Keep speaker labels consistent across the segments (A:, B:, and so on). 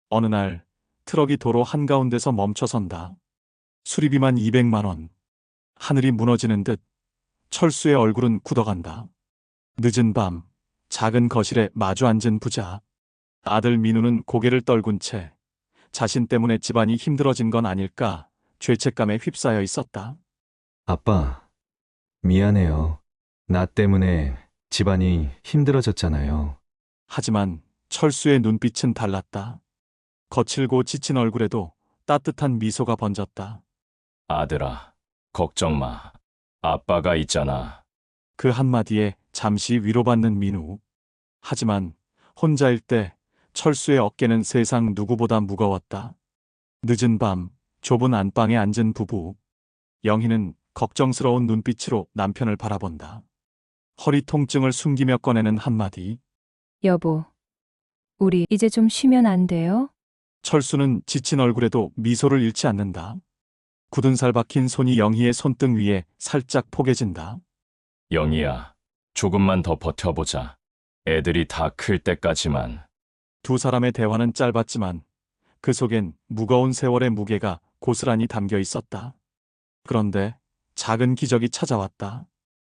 A: 어느 날 트럭이 도로 한가운데서 멈춰선다. 수리비만 200만 원. 하늘이 무너지는 듯 철수의 얼굴은 굳어간다. 늦은 밤 작은 거실에 마주 앉은 부자. 아들 민우는 고개를 떨군 채 자신 때문에 집안이 힘들어진 건 아닐까 죄책감에 휩싸여 있었다.
B: 아빠, 미안해요. 나 때문에 집안이 힘들어졌잖아요.
A: 하지만 철수의 눈빛은 달랐다. 거칠고 지친 얼굴에도 따뜻한 미소가 번졌다.
C: 아들아, 걱정 마. 아빠가 있잖아.
A: 그 한마디에 잠시 위로받는 민우. 하지만 혼자일 때 철수의 어깨는 세상 누구보다 무거웠다. 늦은 밤 좁은 안방에 앉은 부부. 영희는 걱정스러운 눈빛으로 남편을 바라본다. 허리 통증을 숨기며 꺼내는 한마디.
D: 여보, 우리 이제 좀 쉬면 안 돼요?
A: 철수는 지친 얼굴에도 미소를 잃지 않는다. 굳은 살 박힌 손이 영희의 손등 위에 살짝 포개진다.
C: 영희야, 조금만 더 버텨보자. 애들이 다 클 때까지만.
A: 두 사람의 대화는 짧았지만 그 속엔 무거운 세월의 무게가 고스란히 담겨 있었다. 그런데 작은 기적이 찾아왔다.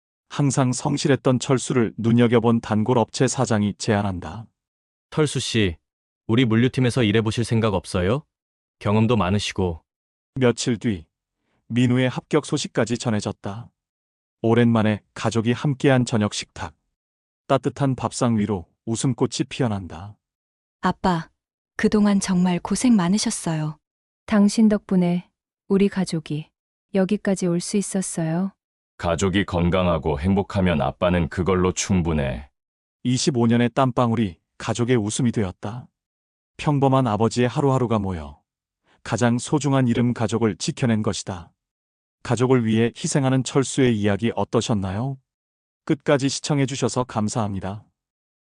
A: 항상 성실했던 철수를 눈여겨본 단골 업체 사장이 제안한다.
E: 털수 씨, 우리 물류팀에서 일해보실 생각 없어요? 경험도 많으시고.
A: 며칠 뒤 민우의 합격 소식까지 전해졌다. 오랜만에 가족이 함께한 저녁 식탁. 따뜻한 밥상 위로 웃음꽃이 피어난다.
F: 아빠, 그동안 정말 고생 많으셨어요.
D: 당신 덕분에 우리 가족이 여기까지 올 수 있었어요.
C: 가족이 건강하고 행복하면 아빠는 그걸로 충분해.
A: 25년의 땀방울이 가족의 웃음이 되었다. 평범한 아버지의 하루하루가 모여 가장 소중한 이름 가족을 지켜낸 것이다. 가족을 위해 희생하는 철수의 이야기 어떠셨나요? 끝까지 시청해 주셔서 감사합니다.